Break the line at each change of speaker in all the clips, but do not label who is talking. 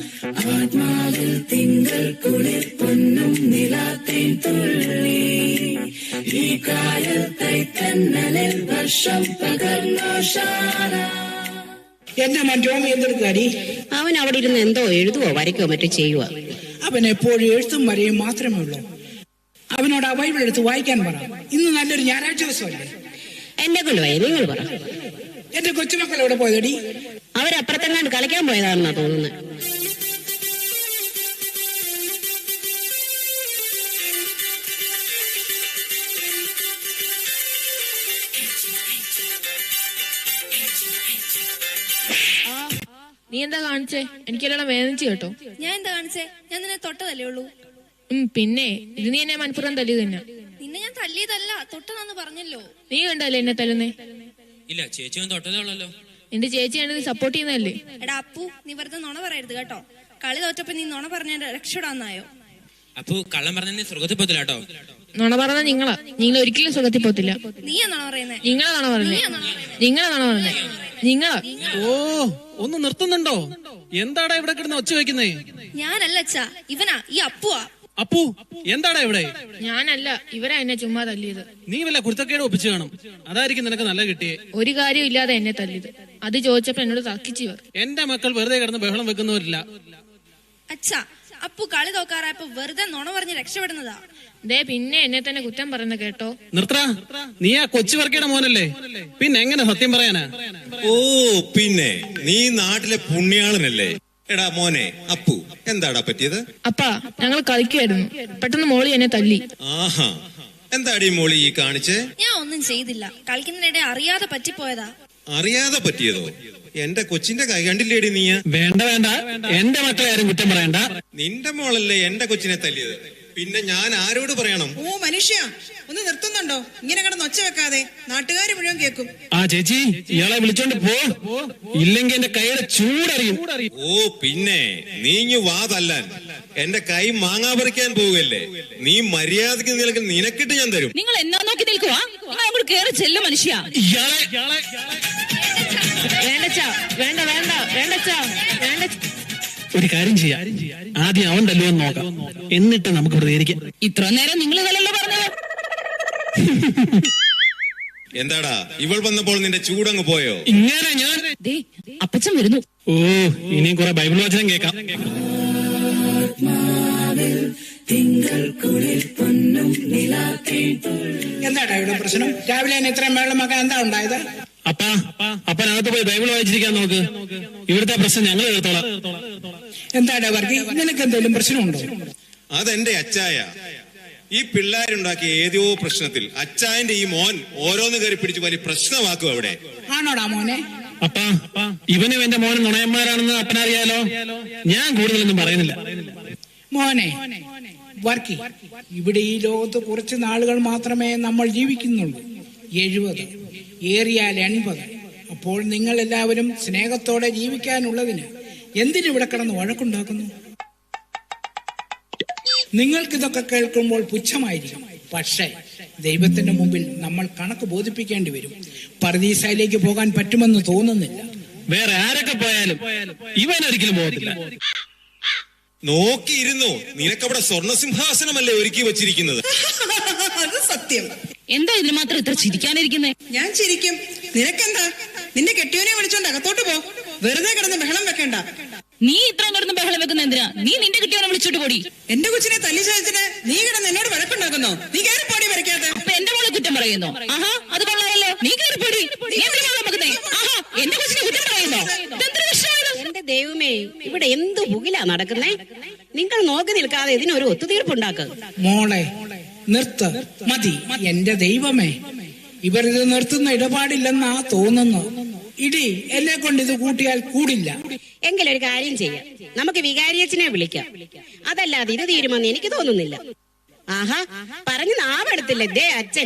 ആത്മാവിൽ തിങ്കൾ കുളിർ പൊന്നും നിലാത്തേൻ തുള്ളി ഈ കായൽ കൈത്തന്നലിൽ വർഷം പകർന്നോഷാന.
എന്റെ മറ്റോമി എന്തെടുക്കാടി?
അവൻ അവിടെ ഇരുന്ന് എന്തോ എഴുതുവോ വരയ്ക്കോ മറ്റോ ചെയ്യുക.
അവൻ എപ്പോഴും എഴുത്തും വരെയും മാത്രമേ ഉള്ളൂ. അവനോട് ആ ബൈബിൾ എടുത്ത് വായിക്കാൻ പറ. ഇന്ന് നല്ലൊരു ഞായറാഴ്ച ദിവസമല്ലേ?
എന്നെ കൊണ്ടുപോയി നിങ്ങൾ പറ.
എന്റെ കൊച്ചുമക്കൾ എവിടെ പോയതടി?
അവരപ്പുറത്തെങ്ങാണ്ട് കളിക്കാൻ പോയതാണെന്നാ തോന്നുന്നത്.
നീ എന്താ കാണിച്ചേ? എനിക്കെല്ലാം വേദനിച്ചു കേട്ടോ.
ഞാൻ എന്താ കാണിച്ചേ? ഞാൻ നിന്നെ തൊട്ടതല്ലേ ഉള്ളൂ.
പിന്നെ ഇത് നീ എന്നെ മനപ്പുറം തല്ലി തന്നെ.
നിന്നെ ഞാൻ തല്ലിയതല്ല, തൊട്ടതാന്ന് പറഞ്ഞല്ലോ.
നീ കണ്ടല്ലേ എന്നെ തല്ലുന്നേ?
ഇല്ല, ചേച്ചി തൊട്ടതേ ഉള്ളല്ലോ.
എന്റെ ചേച്ചിയാണ് നീ സപ്പോർട്ട് ചെയ്യുന്നതല്ലേ?
എടാ അപ്പു, നീ വെറുതെ നുണ പറയരുത് കേട്ടോ. കളി തോറ്റപ്പോ നീ നുണ പറഞ്ഞ രക്ഷപ്പെടാന്നായോ?
അപ്പു കള്ളം പറഞ്ഞ നീ സ്വർഗത്തിൽ പോത്തില്ല കേട്ടോ.
നുണ പറഞ്ഞ നിങ്ങൾ ഒരിക്കലും സുഖത്തിൽ പോത്തില്ല.
നീയാ നുണ പറയുന്നേ.
നിങ്ങളെ നുണ പറഞ്ഞേ. നിങ്ങളാ.
ഓ, ഒന്ന് നിർത്തുന്നുണ്ടോ? എന്താടാ ഇവിടെ കിടന്ന് ഒച്ച വെക്കുന്നേ?
ഞാനല്ല അച്ഛാ, ഇവനാ, ഈ അപ്പുവാ.
അപ്പു, എന്താടാ ഇവിടെ?
ഞാനല്ല, ഇവരാ എന്നെ ചുമ്മാ തല്ലിയത്.
നീ വല്ല കുരുത്തക്കേട് ഒപ്പിച്ചു കാണും. അതായിരിക്കും നിനക്ക് നല്ല കിട്ടിയേ.
ഒരു കാര്യം ഇല്ലാതെ എന്നെ തല്ലിയത്. അത് ചോദിച്ചപ്പോ എന്നോട് തക്കിച്ചിവർ.
എന്റെ മക്കൾ വെറുതെ കിടന്ന് ബഹളം വെക്കുന്നവരില്ല.
അച്ഛാ, അപ്പു കളി തോക്കാറായപ്പോ വെറുതെ നുണ പറഞ്ഞ് രക്ഷപ്പെടുന്നതാ.
ദേ പിന്നെ എന്നെ തന്നെ കുറ്റം പറയുന്ന കേട്ടോ.
നിർത്തടാ, നീ ആ കൊച്ചു വർക്കിയുടെ മോനല്ലേ? പിന്നെ എങ്ങനെ സത്യം പറയാനാ?
ഓ, പിന്നെ നീ നാട്ടിലെ പുണ്യാളനല്ലേ? എടാ മോനെ അപ്പു, എന്താടാ പറ്റിയത്?
അപ്പാ, ഞങ്ങൾ കളിക്കുമായിരുന്നു. പെട്ടെന്ന് മോളി എന്നെ തല്ലി.
ആഹാ, എന്താടി മോളി ഈ കാണിച്ചേ?
ഞാൻ ഒന്നും ചെയ്തില്ല, കളിക്കുന്നതിനിടെ അറിയാതെ പറ്റിപ്പോയതാ.
അറിയാതെ പറ്റിയതോ? എന്റെ കൊച്ചിന്റെ കൈ കണ്ടില്ലേടി നീ?
വേണ്ട വേണ്ട, എന്റെ മക്കളെ ആരും കുറ്റം പറയണ്ട.
നിന്റെ മോളല്ലേ എന്റെ കൊച്ചിനെ തല്ലിയത്, പിന്നെ ഞാൻ ആരോട് പറയണം?
ഓ മനുഷ്യ, ഒന്ന് നിർത്തുന്നുണ്ടോ? ഇങ്ങനെ കിടന്ന് ഒച്ച വെക്കാതെ, നാട്ടുകാര് മുഴുവൻ കേൾക്കും.
ആ ചേച്ചി, ഇയാളെ വിളിച്ചോണ്ട് പോ, ഇല്ലെങ്കിൽ എന്റെ കൈയുടെ ചൂടറിയും.
ഓ പിന്നെ നീ വാ തല്ലാൻ. എന്റെ കൈ മാങ്ങാ പറിക്കാൻ പോവുകയല്ലേ? നീ മര്യാദക്ക് നിൽക്കുന്ന നിനക്കിട്ട് ഞാൻ തരും.
നിങ്ങൾ എന്നാ നോക്കി നിൽക്കുക? കേറി ചെല്ലു മനുഷ്യ.
വേണ്ട.
ഒരു കാര്യം ചെയ്യാം, ആദ്യം അവൻ തല്ലുവെന്ന് നോക്കാം, എന്നിട്ട് നമുക്ക് പ്രതികരിക്കാം.
ഇത്ര നേരം നിങ്ങൾ ഇതല്ലല്ലോ പറഞ്ഞത്.
എന്താടാ ഇവൾ വന്നപ്പോൾ നിന്റെ ചൂടങ്ങ് പോയോ?
ഇങ്ങനെ ഞാൻ
അപ്പച്ചൻ വരുന്നു.
ഓ, ഇനിയും കുറെ ബൈബിൾ വചനം കേൾക്കാം.
എന്താടാ ഇവിടെ പ്രശ്നം? രാവിലെ തന്നെ ഇത്രയും വെള്ളമാക്കാൻ എന്താ ഉണ്ടായത്?
അപ്പനകത്ത് പോയി ബൈബിൾ വായിച്ചിരിക്കാൻ നോക്ക്. ഇവിടുത്തെ പ്രശ്നം ഞങ്ങൾ എടുത്തോളാം.
എന്താടാ വർഗി, നിനക്ക് എന്തെങ്കിലും പ്രശ്നമുണ്ടോ?
അതെന്റെ അച്ചായ. ഈ പിള്ളേരുണ്ടാക്കിയ ഏതോ പ്രശ്നത്തിൽ അച്ചായന്റെ ഈ മോൻ ഓരോന്ന് കയറി പിടിച്ച് വലിയ പ്രശ്നമാക്കും അവിടെ.
ആണോടാ മോനെ?
ഇവനും എന്റെ മോനും നുണയന്മാരാണെന്ന് അപ്പനറിയാലോ. ഞാൻ കൂടുതലൊന്നും പറയുന്നില്ല.
മോനെ വർക്കി, ഇവിടെ ഈ ലോകത്ത് കുറച്ച് നാളുകൾ മാത്രമേ നമ്മൾ ജീവിക്കുന്നുള്ളൂ. 70, ഏറിയാൽ 80. അപ്പോൾ നിങ്ങൾ എല്ലാവരും സ്നേഹത്തോടെ ജീവിക്കാനുള്ളതിന് എന്തിനിവിടെ കിടന്ന് വഴക്കുണ്ടാക്കുന്നു? നിങ്ങൾക്കിതൊക്കെ കേൾക്കുമ്പോൾ പുച്ഛമായിരിക്കും. പക്ഷേ ദൈവത്തിന്റെ മുമ്പിൽ നമ്മൾ കണക്ക് ബോധിപ്പിക്കേണ്ടി വരും. പർദീസയിലേക്ക് പോകാൻ പറ്റുമെന്ന് തോന്നുന്നില്ല.
വേറെ ആരൊക്കെ പോയാലും ഇവനൊരിക്കലും പോകത്തില്ല.
നോക്കിയിരുന്നു, നിനക്കവിടെ സ്വർണസിംഹാസനമല്ലേ ഒരുക്കി വെച്ചിരിക്കുന്നത്?
അത് സത്യം.
എന്താ ഇതിന് മാത്രം ഇത്ര ചിരിക്കാനിരിക്കുന്നേ?
ഞാൻ ചിരിക്കും, നിനക്കെന്താ? നിന്റെ കെട്ടിയോനെ വിളിച്ചോണ്ട് അകത്തോട്ട് പോ, വെറുതെ കിടന്ന് ബഹളം വെക്കണ്ട.
നീ ഇത്രയും കിടന്ന് ബഹളം വെക്കുന്ന എന്തിനാ? നീ നിന്റെ കെട്ടിയോനെ വിളിച്ചോട്ട് പോടി.
എന്റെ കൊച്ചിനെ തല്ലി ചതച്ചിട്ട് നീ കിടന്ന് എന്നോട് വഴക്കുണ്ടാക്കുന്നോ? നീ കയറി പോടി വരയ്ക്കാതെ.
അപ്പൊ എന്റെ മോളെ കുറ്റം പറയുന്നോ? ആഹാ, അത് കൊള്ളാമല്ലോ. നീ കയറി പോടി. ആഹാ, എന്റെ കൊച്ചിനെ കുറ്റം പറയുന്നോ? എന്റെ ദൈവമേ, ഇവിടെ എന്ത് പുകിലാ നടക്കുന്നേ? നിങ്ങൾ നോക്കി നിൽക്കാതെ ഇതിനൊരു ഒത്തുതീർപ്പുണ്ടാക്കുക.
മോളെ നിർത്ത്, മതി. എന്റെ ദൈവമേ, ഇവരിത് നിർത്തുന്ന ഇടപാടില്ലെന്നാ തോന്നുന്നു. ഇടി എന്നെ കൊണ്ട് ഇത് കൂട്ടിയാൽ കൂടില്ല.
എങ്കിലൊരു കാര്യം ചെയ്യാം, നമുക്ക് വികാരിയച്ഛനെ വിളിക്കാം. അതല്ലാതെ ഇത് തീരുമെന്ന് എനിക്ക് തോന്നുന്നില്ല. ആഹാ, പറഞ്ഞു നാവെടുത്തില്ലേ ദേ അച്ഛൻ.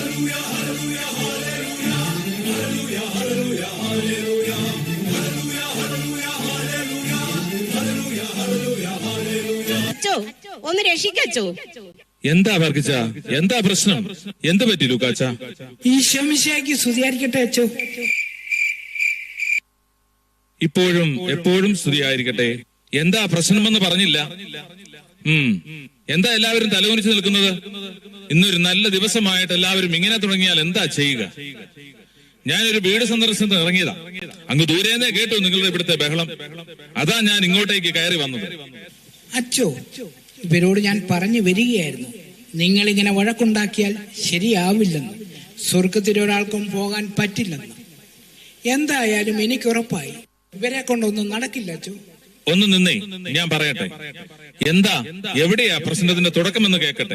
അച്ചോ, ഒന്ന് രക്ഷിക്കച്ചോ.
എന്താ വർഗിച്ച? എന്താ പ്രശ്നം? എന്ത് പറ്റി ലൂക്കാച്ച?
ഈശോ മിശിഹായ്ക്ക് സ്തുതിയായിരിക്കട്ടെ അച്ചോ.
ഇപ്പോഴും എപ്പോഴും സ്തുതിയായിരിക്കട്ടെ. എന്താ പ്രശ്നമെന്ന് പറഞ്ഞില്ല. എന്താ എല്ലാവരും തലകുനിച്ച് നിൽക്കുന്നത്? ഇന്നൊരു നല്ല ദിവസമായിട്ട് എല്ലാവരും ഇങ്ങനെ തുടങ്ങിയാൽ എന്താ ചെയ്യുക? ഞാനൊരു വീട് സന്ദർശനത്തിന് ഇറങ്ങിയതാ. അങ്ങ് ദൂരേന്നേ കേട്ടു നിങ്ങളുടെ ഇവിടുത്തെ ബഹളം. അതാ ഞാൻ ഇങ്ങോട്ടേക്ക് കയറി വന്നത്.
അച്ചോ, ഇവരോട് ഞാൻ പറഞ്ഞു വരികയായിരുന്നു, നിങ്ങളിങ്ങനെ വഴക്കുണ്ടാക്കിയാൽ ശരിയാവില്ലെന്ന്, സ്വർഗത്തിൽ ഒരാൾക്കും പോകാൻ പറ്റില്ലെന്ന്. എന്തായാലും എനിക്കുറപ്പായി ഇവരെ കൊണ്ടൊന്നും നടക്കില്ല അച്ചോ.
ഒന്ന് നിന്നേ, ഞാൻ പറയട്ടെ. എന്താ, എവിടെയാ പ്രശ്നത്തിന്റെ തുടക്കമെന്ന് കേൾക്കട്ടെ.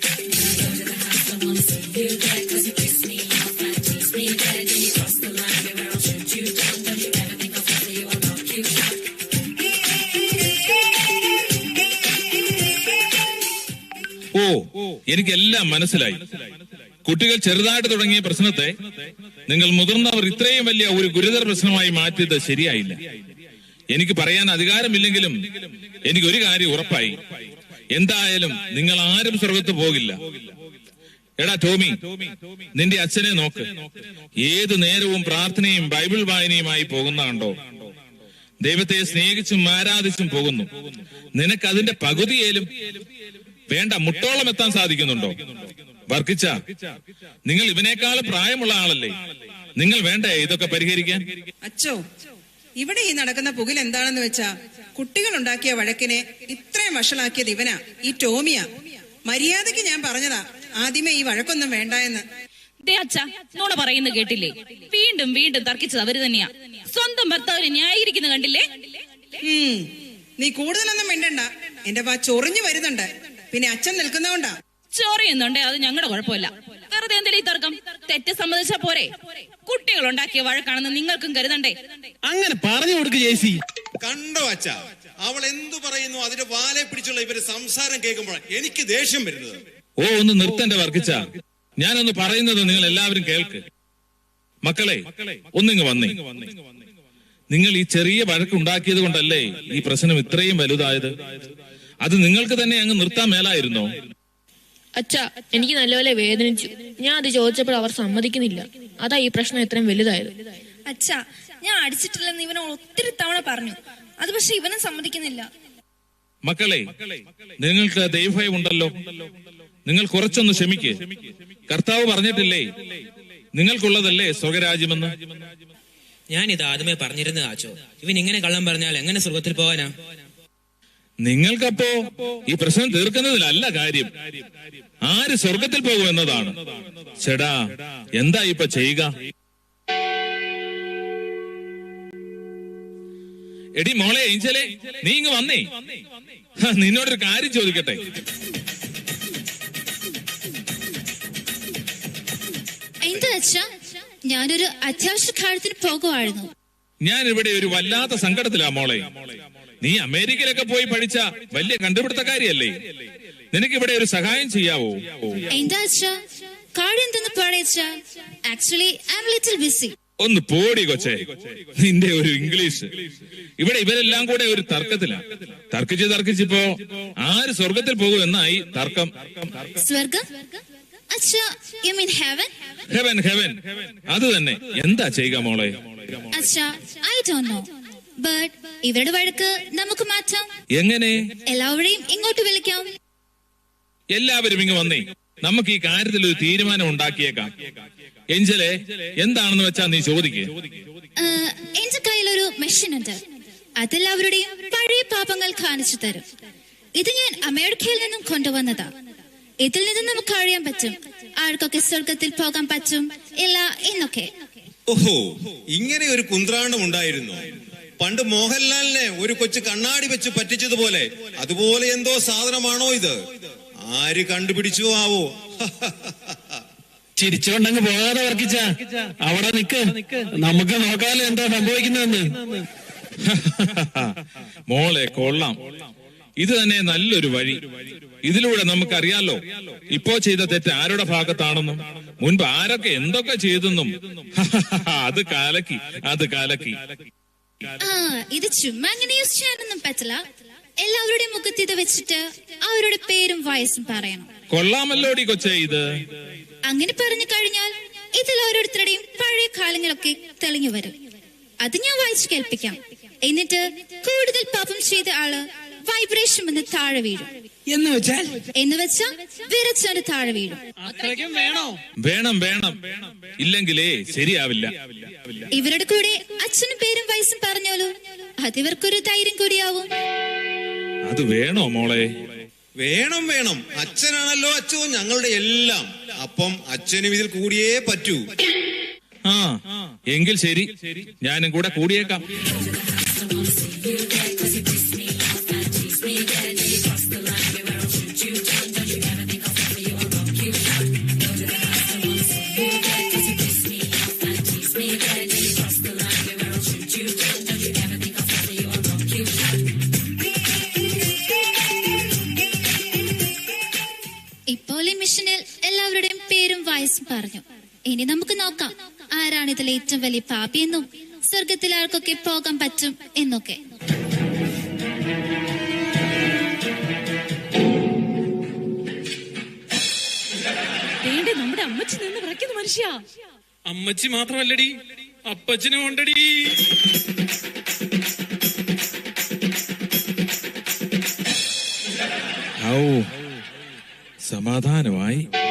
ഓ, എനിക്കെല്ലാം മനസ്സിലായി. കുട്ടികൾ ചെറുതായിട്ട് തുടങ്ങിയ പ്രശ്നത്തെ നിങ്ങൾ മുതിർന്നവർ ഇത്രയും വലിയ ഒരു ഗുരുതര പ്രശ്നമായി മാറ്റിയത് ശരിയായില്ല. എനിക്ക് പറയാൻ അധികാരമില്ലെങ്കിലും എനിക്കൊരു കാര്യം ഉറപ്പായി. എന്തായാലും നിങ്ങൾ ആരും സ്വർഗത്ത് പോകില്ല. എടാ ടോമി, നിന്റെ അച്ഛനെ നോക്ക്. ഏതു നേരവും പ്രാർത്ഥനയും ബൈബിൾ വായനയുമായി പോകുന്ന കണ്ടോ? ദൈവത്തെ സ്നേഹിച്ചും ആരാധിച്ചും പോകുന്നു. നിനക്ക് അതിന്റെ പകുതിയേലും വേണ്ട മുട്ടോളം എത്താൻ സാധിക്കുന്നുണ്ടോ? വർക്കിച്ച, നിങ്ങൾ ഇവനേക്കാൾ പ്രായമുള്ള ആളല്ലേ? നിങ്ങൾ വേണ്ടേ ഇതൊക്കെ പരിഹരിക്കാൻ?
അച്ചോ, ഇവിടെ ഈ നടക്കുന്ന പുകിൽ എന്താണെന്ന് വെച്ചാ, കുട്ടികൾ ഉണ്ടാക്കിയ വഴക്കിനെ ഇത്രയും വഷളാക്കിയത് ഇവനാ, ഈ ടോമിയാ. മര്യാദക്ക് ഞാൻ പറഞ്ഞതാ ആദ്യമേ ഈ വഴക്കൊന്നും വേണ്ട എന്ന്.
ദേ അച്ഛാ, നോണ പറയുന്നത് കേട്ടില്ലേ? വീണ്ടും വീണ്ടും തർക്കിച്ചത് അവര് തന്നെയാ. സ്വന്തം ഭർത്താവിനെ ന്യായീകരിക്കുന്ന കണ്ടില്ലേ?
നീ കൂടുതലൊന്നും മിണ്ടണ്ട, എന്റെ വാ ചൊറിഞ്ഞു വരുന്നുണ്ട്. പിന്നെ അച്ഛൻ നിൽക്കുന്നോണ്ടാ.
ചൊറിയുന്നുണ്ടേ അത് ഞങ്ങളുടെ കുഴപ്പമില്ല. വെറുതെ എന്തെങ്കിലും ഈ തർക്കം? തെറ്റ് സമ്മതിച്ചാ പോരെ? കുട്ടികൾ ഉണ്ടാക്കിയ വഴക്കാണെന്ന് നിങ്ങൾക്കും കരുതണ്ടേ?
അങ്ങനെ പറഞ്ഞു കൊടുക്ക് ജേസി.
കണ്ടോ അച്ഛാ, അവൾ എന്തു പറയുന്നു അതിന്റെ വാലെ പിടിച്ചുള്ള ഇവര് സംസാരം കേൾക്കുമ്പോഴാണ് എനിക്ക് ദേഷ്യം വരുന്നത്.
ഓ, ഒന്ന് നിർത്തന്റെ വർക്കിച്ച. ഞാനൊന്ന് പറയുന്നത് നിങ്ങൾ എല്ലാവരും കേൾക്ക്. മക്കളെ, ഒന്നിങ്ങ് വന്നേ. നിങ്ങൾ ഈ ചെറിയ വഴക്കുണ്ടാക്കിയത് കൊണ്ടല്ലേ ഈ പ്രശ്നം ഇത്രയും വലുതായത്? അത് നിങ്ങൾക്ക് തന്നെ അങ്ങ് നിർത്താൻ മേലായിരുന്നോ?
അച്ഛാ, എനിക്ക് നല്ലപോലെ വേദനിച്ചു. ഞാൻ അത് ചോദിച്ചപ്പോൾ അവർ സമ്മതിക്കുന്നില്ല. അതാ ഈ പ്രശ്നം ഇത്രയും വലുതായത്.
അച്ഛാ, ഞാൻ അടിച്ചിട്ടില്ലെന്ന് ഇവനെ ഒത്തിരി തവണ പറഞ്ഞു. അത് പക്ഷെ ഇവനും സമ്മതിക്കുന്നില്ല.
മക്കളെ, നിങ്ങൾക്ക് ദൈവഭയം ഉണ്ടല്ലോ. നിങ്ങൾ കുറച്ചൊന്ന് ക്ഷമിക്ക്. കർത്താവ് പറഞ്ഞിട്ടില്ലേ നിങ്ങൾക്കുള്ളതല്ലേ സ്വർഗരാജ്യമെന്ന്?
ഞാൻ ഇത് ആദ്യമേ പറഞ്ഞിരുന്നത് ആച്ചോ. ഇവൻ ഇങ്ങനെ കള്ളം പറഞ്ഞാൽ എങ്ങനെ സ്വർഗത്തിൽ പോകാനാ?
നിങ്ങൾക്കപ്പോ ഈ പ്രശ്നം തീർക്കുന്നതിലല്ല കാര്യം, ആര് സ്വർഗത്തിൽ പോകും എന്നതാണ്. ചേടാ, എന്താ ഇപ്പൊ ചെയ്യുക? എടി മോളെ ഏഞ്ചലെ, നീ ഇങ്ങ് വന്നേ. നിന്നോടൊരു കാര്യം ചോദിക്കട്ടെ.
എന്താ അച്ഛാ? ഞാനൊരു അത്യാവശ്യ കാര്യത്തിന് പോകുമായിരുന്നു.
ഞാൻ ഇവിടെ ഒരു വല്ലാത്ത സങ്കടത്തിലാ മോളെ. നീ അമേരിക്കയിലൊക്കെ പോയി പഠിച്ച വലിയ കണ്ടുപിടുത്തക്കാരിയല്ലേ? നിനക്ക് ഇവിടെ ഒരു സഹായം ചെയ്യാവോ?
എന്താ അച്ഛാ കാര്യം? എന്തെന്ന് പറയച്ചാ? Actually I am little busy.
ഒന്ന് പോടി കൊച്ചേ, നിന്റെ ഒരു ഇംഗ്ലീഷ്. ഇവിടെ ഇവരെല്ലാം കൂടെ ഒരു തർക്കത്തിലാ. തർക്കിച്ചിപ്പോ ആര് സ്വർഗത്തിൽ പോകും എന്നായി തർക്കം.
സ്വർഗം? അച്ഛാ, you mean heaven?
Heaven, heaven, അത് തന്നെ. എന്താ ചെയ്യുക മോളെ?
അച്ഛാ, ഐ ഡോണ്ട് നോ, ബട്ട് ഇവരുടെ വഴക്ക് നമുക്ക് മാറ്റാം.
എങ്ങനെ?
എല്ലാവരെയും ഇങ്ങോട്ട് വിളിക്കാം.
എല്ലാവരും ഇങ്ങ് വന്നേ. നമുക്ക് ഈ കാര്യത്തിൽ ഒരു തീരുമാനം ഉണ്ടാക്കിയേക്കാം. എഞ്ചലെ, എന്താണെന്ന് വെച്ചാ നീ ചോദിക്കേ.
എന്റെ കയ്യിലൊരു മെഷീൻ ഉണ്ട്. അതെല്ലാവരുടെയും പഴയ പാപങ്ങൾ കാണിച്ചു തരും. ഇത് ഞാൻ അമേരിക്കയിൽ നിന്നും കൊണ്ടുവന്നതാ. ഇതിൽ നിന്ന് നമുക്ക് അറിയാൻ പറ്റും ആർക്കൊക്കെ സ്വർഗത്തിൽ പോകാൻ പറ്റും ഇല്ല എന്നൊക്കെ.
ഓഹോ, ഇങ്ങനെ ഒരു കുന്ത്രാണ്ടം ഉണ്ടായിരുന്നു. പണ്ട് മോഹൻലാലിനെ ഒരു കൊച്ചു കണ്ണാടി വെച്ച് പറ്റിച്ചതുപോലെ അതുപോലെ എന്തോ സാധനമാണോ ഇത്? ആര് കണ്ടുപിടിച്ചു ആവോ?
ചിരിച്ചുകൊണ്ടങ്ങ് പോകാതെ വർക്കിച്ച. അവിടെ നിക്ക്, നമുക്ക് നോക്കാലോ എന്താ സംഭവിക്കുന്നതെന്ന്.
മോളെ കൊള്ളാം. ഇത് തന്നെ നല്ലൊരു വഴി. ഇതിലൂടെ നമുക്കറിയാലോ ഇപ്പോ ചെയ്ത തെറ്റ് ആരുടെ ഭാഗത്താണെന്നും മുൻപ് ആരൊക്കെ എന്തൊക്കെ ചെയ്തെന്നും. അത് കലക്കി, അത് കലക്കി.
ഇത് ചുമ്മാ അങ്ങനെ യൂസ് ചെയ്യാനൊന്നും പറ്റില്ല. എല്ലാവരുടെയും മുഖത്ത് ഇത് വെച്ചിട്ട് അവരുടെ പേരും വയസ്സും പറയണം.
കൊള്ളാമല്ലോടി കൊച്ചേ ഇത്.
അങ്ങനെ പറഞ്ഞു കഴിഞ്ഞാൽ ഇതിൽ ഓരോരുത്തരുടെയും പഴയ കാലങ്ങളൊക്കെ തെളിഞ്ഞു വരും. അത് ഞാൻ വായിച്ചു കേൾപ്പിക്കാം. എന്നിട്ട് കൂടുതൽ പാപം ചെയ്ത ആള് വൈബ്രേഷൻ വന്ന് താഴെ വീഴും.
എന്ന് വെച്ചാൽ വിറച്ചവന് താഴെ വീഴും.
വേണം വേണം, ഇല്ലെങ്കിലേ ശരിയാവില്ല.
ഇവരുടെ കൂടെ അച്ഛനും പേരും വയസ്സും പറഞ്ഞോളൂ, അതിവർക്കൊരു ധൈര്യം കൂടിയാവും.
അത് വേണോ മോളെ?
വേണം വേണം, അച്ഛനാണല്ലോ അച്ഛോ ഞങ്ങളുടെ എല്ലാം. അപ്പം അച്ഛനും ഇതിൽ കൂടിയേ പറ്റൂ.
ആ എങ്കിൽ ശരി, ഞാനും കൂടെ കൂടിയേക്കാം.
ഇപ്പോൾ ഈ മിഷനിൽ എല്ലാവരുടെയും പേരും വയസ്സും പറഞ്ഞു. ഇനി നമുക്ക് നോക്കാം ആരാണ് ഇതിലെ ഏറ്റവും വലിയ പാപിയെന്നും സ്വർഗത്തിൽ ആർക്കൊക്കെ പോകാൻ പറ്റും എന്നൊക്കെ.
നമ്മുടെ അമ്മച്ചി നിന്ന് വിറയ്ക്കുന്ന മനുഷ്യ.
അമ്മച്ചി മാത്രമല്ലടി, അപ്പച്ചനും ഉണ്ടടി.
സമാധാനമായി.